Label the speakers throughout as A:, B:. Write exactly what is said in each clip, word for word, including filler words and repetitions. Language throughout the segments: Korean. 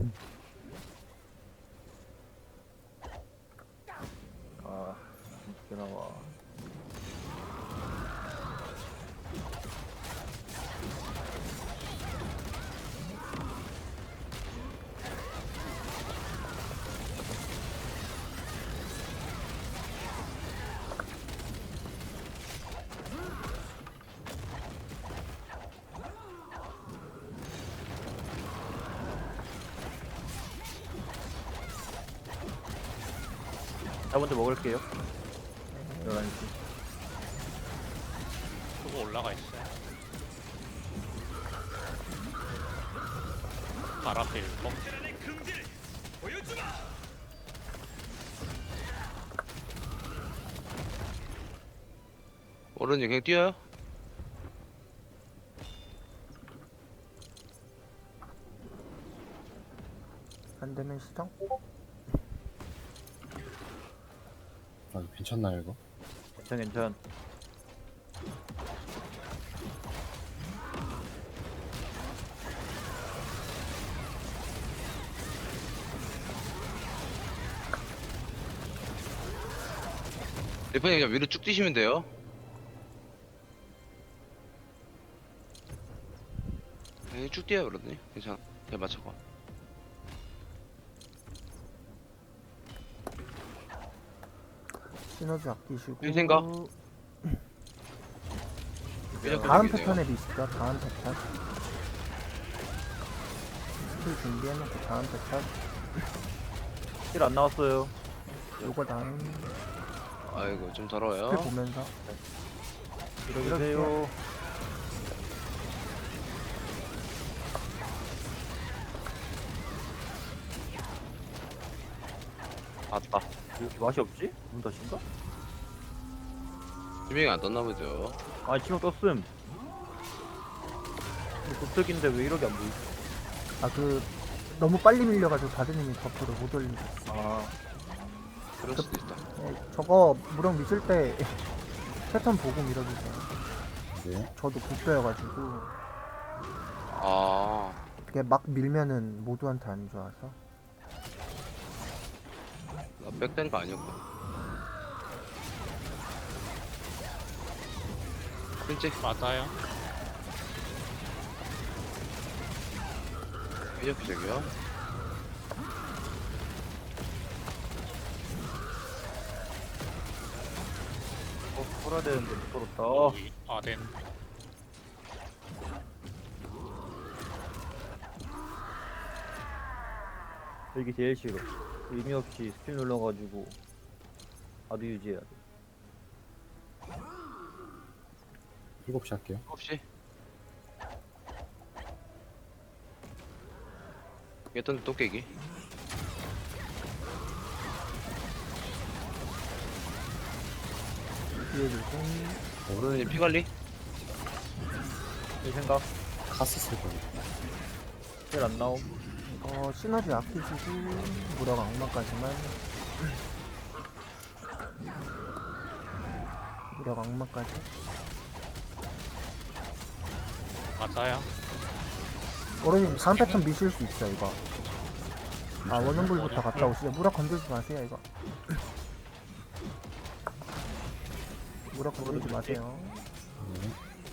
A: 아, 이렇게 나와. 자, 먼저 먹을게요. 열한 시.
B: 그거 올라가 있어요. 바람필 pom
C: 의 금지를 보여주마.
D: 오른이 그냥 뛰어요?
E: 안 되면 시정?
F: 아, 괜찮나요 이거?
A: 괜찮, 괜찮.
D: 리퍼님 그냥 위로 쭉 뛰시면 돼요. 네, 쭉 뛰어요 그러더니 괜찮아. 잘 맞춰봐.
E: 시너지 아끼시고.
D: 이 생각?
E: 다음 패턴에 비슷하다. 다음 패턴. 스킬 준비해놓고 다음 패턴.
A: 힐 안 나왔어요.
E: 요거 다음
D: 아이고 좀
E: 스킬
D: 더러워요.
E: 보면서
A: 이러세요.
D: 맞다.
A: 왜 이렇게 맛이 없지? 문 닫힌가?
D: 지명이 안 떴나 보죠.
A: 아, 지금 떴음. 도적인데 왜 이렇게 안 보이지?
E: 아 그 너무 빨리 밀려가지고 다드님이 버프를 못 올리고.
A: 아,
D: 그럴 수도 있다.
E: 네, 저거 무력 미실 때 패턴 보고 밀어주세요.
F: 네.
E: 저도 국배여가지고
D: 아,
E: 이게 막 밀면은 모두한테 안 좋아서.
D: 나 백된 거 아니었구나. 진짜
B: 맞아요.
D: 이렇게 저기요.
A: 어, 풀어야 되는데 못 풀었다.
B: 여기 아덴.
A: 이게 제일 싫어. 의미 없이 스킬 눌러가지고 아드 유지해야 돼.
F: 일곱 시 할게요.
D: 혹시? 얘던 또 깨기.
E: 뒤에 조심.
D: 오른이 피 관리?
A: 이 생각.
F: 카스 쓸 거예요.
A: 힐 안 나옴.
E: 이거 시너지 아끼시고 무력 악마까지만. 무력 악마까지.
B: 맞아요.
E: 어른님 다음 패턴 미실 수 있어 이거. 아 원형불부터 갔다 오시죠. 무력 건들지 마세요 이거. 무력 건들지 마세요.
F: 네.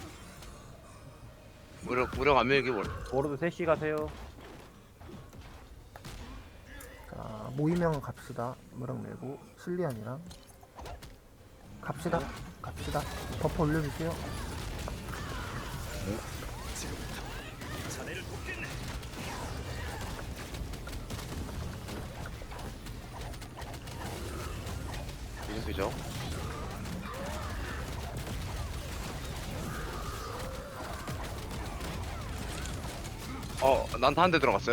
D: 무력 무력 안 밀기 뭘?
A: 워로드 셋시 가세요.
E: 자 모이면 갑시다. 무력 내고 실리안이랑 갑시다. 갑시다. 버퍼 올려주세요.
C: 자네를 돕겠네.
D: 이름 그죠? 어, 난타 한 대 들어갔어요.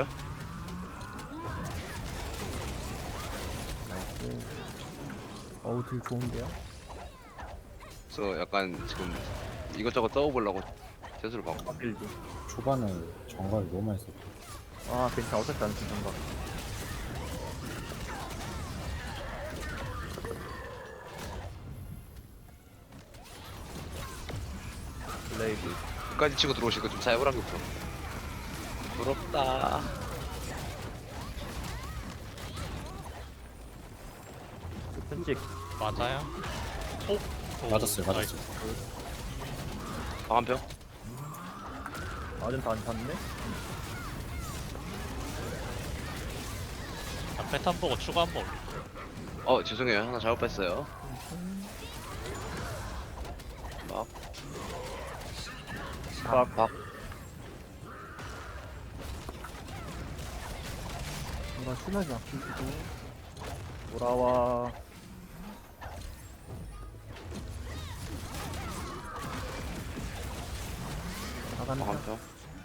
E: 나이스. 어우 딜 좋은데요?
D: 그래서 약간 지금 이것저것 떠보려고 재수를 받고.
A: 막길지.
F: 초반에 정갈 너무 많이 썼고.
A: 아, 괜찮아. 어차피 안 쓴다. 블레이드.
D: 끝까지 치고 들어오시고 좀 사역을 하겠고. 부럽다.
A: 순직.
B: 맞아요? 오? 오,
F: 맞았어요,
B: 나이스.
F: 맞았어요.
D: 방한평.
A: 아전 다안 탔네?
B: 아, 패턴 보고 추가 한번 올릴게요.
D: 어 죄송해요 하나 잘못 뺐어요. 막
A: 박.
D: 박.
E: 이거 시너지 아끼시고.
A: 돌아와.
E: 나간다.
D: 방한평.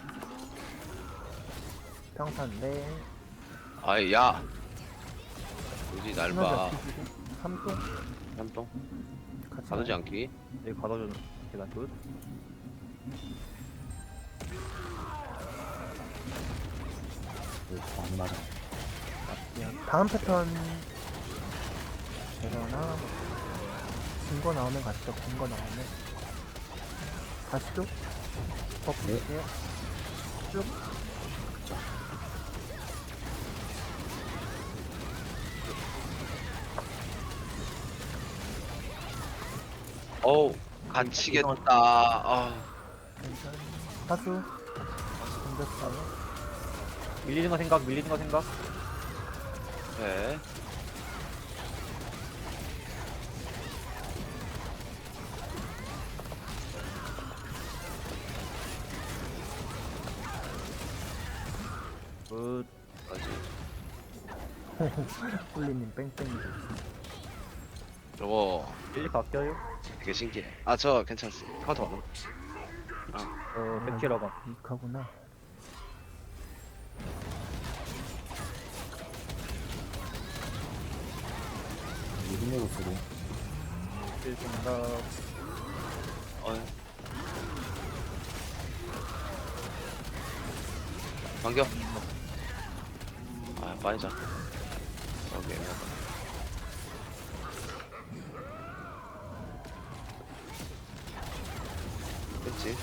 E: 평탄데.
D: 아이 야. 굳이 날
E: 시너지
D: 봐.
E: 아끼시고. 삼동
D: 한동.
E: 같이.
D: 가두지
E: 가요.
D: 않기.
A: 여기 가둬주는 계단 끝.
F: 이거 안 맞아.
E: 예, 다음 패턴 되거나 긴거 나오면 가시죠. 긴거 나오면 가시죠. 버프
F: 네.
E: 주세요. 쭉.
D: 어우 갇히겠다. 아.
E: 괜찮아. 사수. 던졌어요.
A: 밀리는 거 생각, 밀리는 거 생각.
D: 네.
A: 굿.
D: 아직
E: 훌리님 뺑뺑이.
D: 저거
A: 밀리 바뀌어요.
D: 되게 신기해. 아 저 괜찮습니다. 카운터 받아.
A: 어, 백키라가.
E: 이카구나.
F: 이름으로 소리.
A: 밀 생각.
D: 어. 반겨. 아 빠지자. 오케이. 그렇지.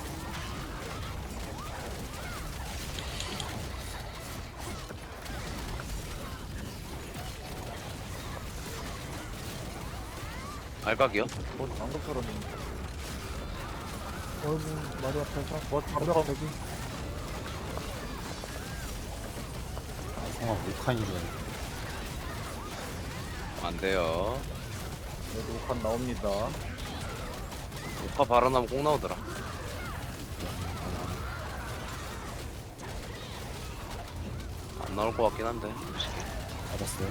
D: 알각이요?
A: 뭐, 방금처럼.
E: 얼굴 머리 앞에서
A: 뭐,
E: 무력
A: 방금.
E: 대기.
F: 성아 몰칸인 줄 알고.
D: 안 돼요.
A: 여기 오칸 나옵니다.
D: 오파 발언하면 꼭 나오더라. 안 나올 것 같긴 한데.
F: 맞았어요.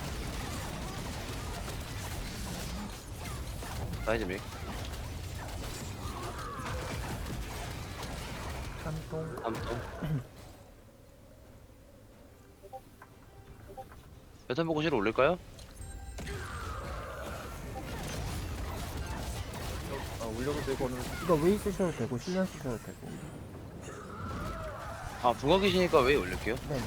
D: 사이즈 믹.
E: 한동.
D: 삼동. 배탄 보고 실을 올릴까요?
A: 아, 올려도 되고는.
E: 이거 웨이 쓰셔도 되고 실련 쓰셔도 되고.
D: 아 부각이시니까 왜 올릴게요?
E: 네.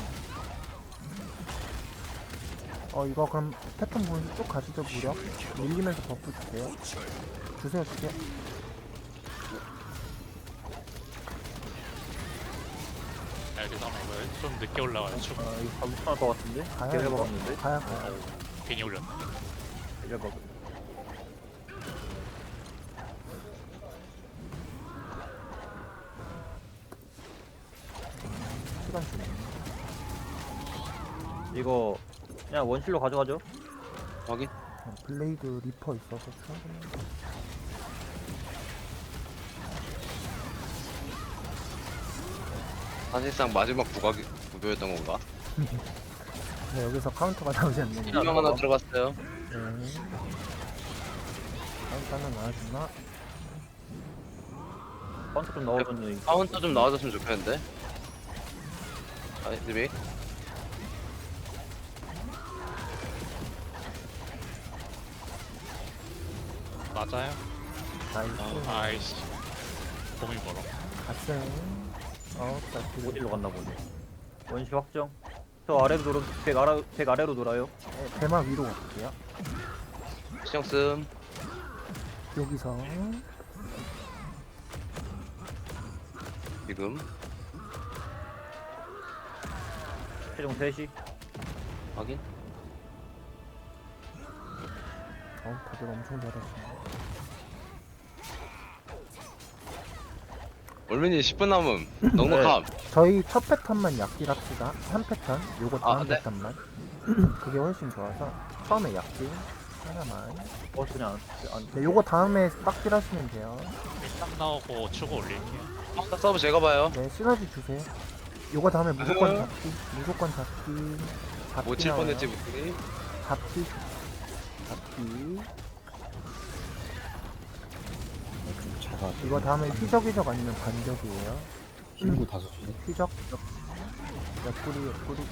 E: 어 이거 그럼 패턴 보면서 쭉 가시죠. 무력 밀리면서 버프 주세요. 주세요 주세요.
B: 알겠어. 이거 좀 늦게 올라와요. 추가.
A: 아, 이거 잘못 할것 같은데?
E: 가야
A: 걔를
E: 이거.
A: 먹었는데?
E: 가야 가야.
B: 괜히 올렸네.
A: 걔를 먹었
E: 시간 주네.
A: 이거, 그냥 원실로 가져가죠.
D: 확인.
E: 어, 블레이드 리퍼 있어서 충분히.
D: 사실상 마지막 부각이 구조였던 건가?
E: 네, 여기서 카운터가 나오지 않는 거.
D: 일명 하나 들어갔어요.
E: 네. 카운터는 나와주나?
A: 카운트 좀 넣어줬네.
D: 카운터 좀 나와줬으면 좋겠는데. 사이즈 믹.
B: 맞아요?
E: 나이스.
B: 아이씨. 몸이 멀어.
E: 갔어요. 어, 자,
A: 어디로 갔나 보네. 원시 확정. 저 아래로 돌아, 백, 아래, 백 아래로 돌아요.
E: 네, 대마 위로 갈게요.
D: 시정 씀.
E: 여기서
D: 지금.
A: 최종 세 시.
D: 확인.
E: 어, 다들 엄청 잘하시네.
D: 올민이 십 분 남음. 넉넉함.
E: 저희 첫 패턴만 약딜 합시다. 한 패턴, 요거
D: 아,
E: 다음
D: 네.
E: 패턴만. 그게 훨씬 좋아서 처음에 약딜 하나만.
A: 버스는 안, 안
E: 네, 요거 다음에 빡딜 하시면 돼요.
B: 딱 나오고 추고 올릴게요.
D: 아, 서브 제가 봐요.
E: 네, 시너지 주세요. 요거 다음에 무조건 잡기, 무조건 잡기. 잡기
D: 못 칠
E: 나와요.
D: 뻔했지, 무슨
E: 잡기, 잡기.
F: 좀 작아.
E: 이거 다음에 휘적휘적 아니면 반격이에요.
F: 힘도 다섯 주네.
E: 휘적, 옆구리, 옆구리.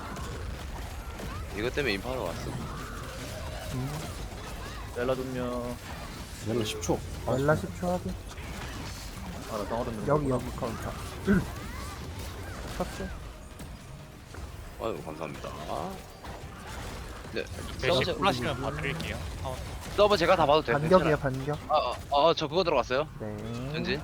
D: 이것 때문에 인파하러 왔어.
E: 음,
A: 렐라 좀요.
F: 렐라 십 초.
E: 렐라 십 초 하기.
A: 아, 나 상어든
E: 여기, 여기 카운터. 쳤어?
D: 아유, 감사합니다. 네,
B: 대신
D: 서브, 제,
B: 쿨하시면 봐드릴게요. 어,
D: 서브 제가 다 봐도 돼요.
E: 반격이에요,
D: 괜찮아요.
E: 반격.
D: 아, 아, 아, 저 그거 들어갔어요.
E: 네.
D: 전진.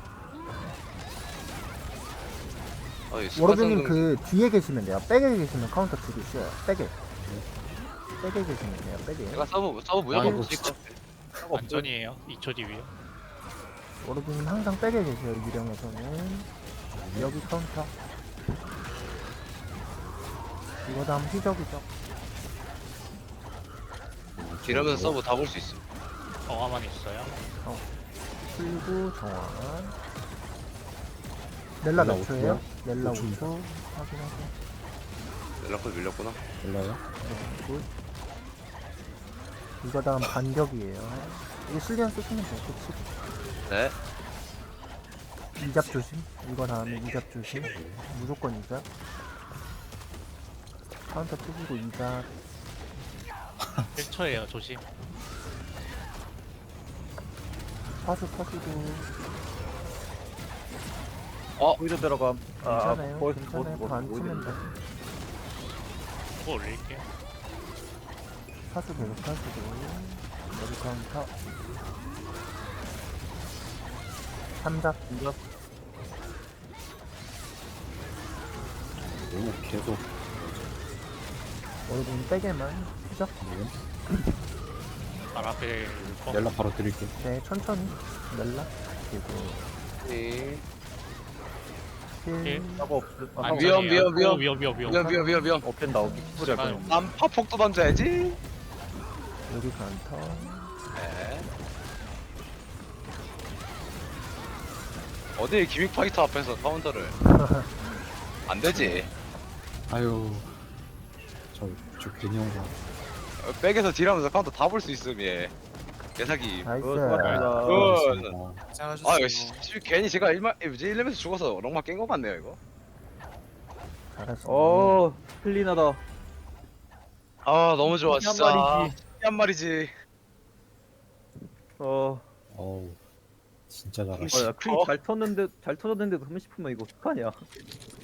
D: 어이,
E: 워로드님
D: 습관성
E: 그 뒤에 계시면 돼요. 백에 계시면 카운터 주기 쉬워요. 백에. 백에 계시면 돼요. 백에.
D: 제가 서브, 서브 무조건
F: 아이고,
D: 붙일 것 같아.
B: 안전이에요. 이 초 뒤에요.
E: 워로드님 항상 백에 계세요. 유령에서는. 여기 카운터. 이거 다음 휘적이죠.
D: 이러면서 서브 다 볼 수 있어.
B: 정화만 있어요.
E: 풀고 정원. 넬라 몇
F: 넬라
E: 초예요?
F: 오 초요?
E: 넬라
F: 오 초.
E: 오 초. 확인하고.
D: 연락콜 밀렸구나.
F: 렐라요?
E: 네, 굿. 이거 다음 반격이에요. 이거 실리안 쓰시면 돼요. 그치?
D: 네.
E: 이잡 조심. 이거 다음에 이잡 조심. 무조건 이잡. 카운터 뜨시고 이잡.
B: 일 초예요. 조심.
E: 파수 터지고.
D: 어,
A: 거기서 들어감. 아,
E: 괜찮아요.
A: 거기서
E: 괜찮아요.
A: 뭐,
E: 더안
A: 뭐,
E: 치면 돼.
B: 추고 올릴게요.
E: 파수 계속 하시고. 여기 카운터. 삼잡.
A: 진짜
F: 너무 계속.
E: 어르신 빼게만. 휘적.
B: 발 앞에 거.
F: 렐라 바로 드릴게요.
E: 네, 천천히. 넬라. 그리고
D: 네.
E: 힐.
B: 힐.
A: 사고 없어. 아,
B: 안전이에요.
A: 사고
D: 위험, 위험,
B: 오,
D: 위험.
B: 위험, 위험, 위험.
D: 위험, 위험, 위험, 위험.
A: 없앤다. 없기 소리 할 뻔.
D: 난 파폭도 던져야지.
E: 여기 카운터.
D: 네. 어디 기믹 파이터 앞에서 카운터를. 안 되지.
F: 아유. 저, 저 괜히 온 거.
D: 어, 백에서 딜하면서 카운터 다 볼 수 있음, 얘. 개사기.
E: 나이스.
A: 어, 수고하셨습니다.
D: 어.
F: 알겠습니다.
D: 아, 씨, 씨, 괜히 제가 일마, 뭐지, 일 렘에서 죽어서 롱마 깬 거 같네요, 이거.
E: 잘했어.
A: 어, 클린하다.
D: 아, 너무 좋아,
A: 한
D: 진짜.
A: 마리지.
D: 한 마리지.
A: 어,
F: 어우. 진짜
A: 아,
F: 잘하시.
A: 야, 클린 잘 쳤는데, 잘 터졌는데도 삼십 분만 이거 어떡하냐.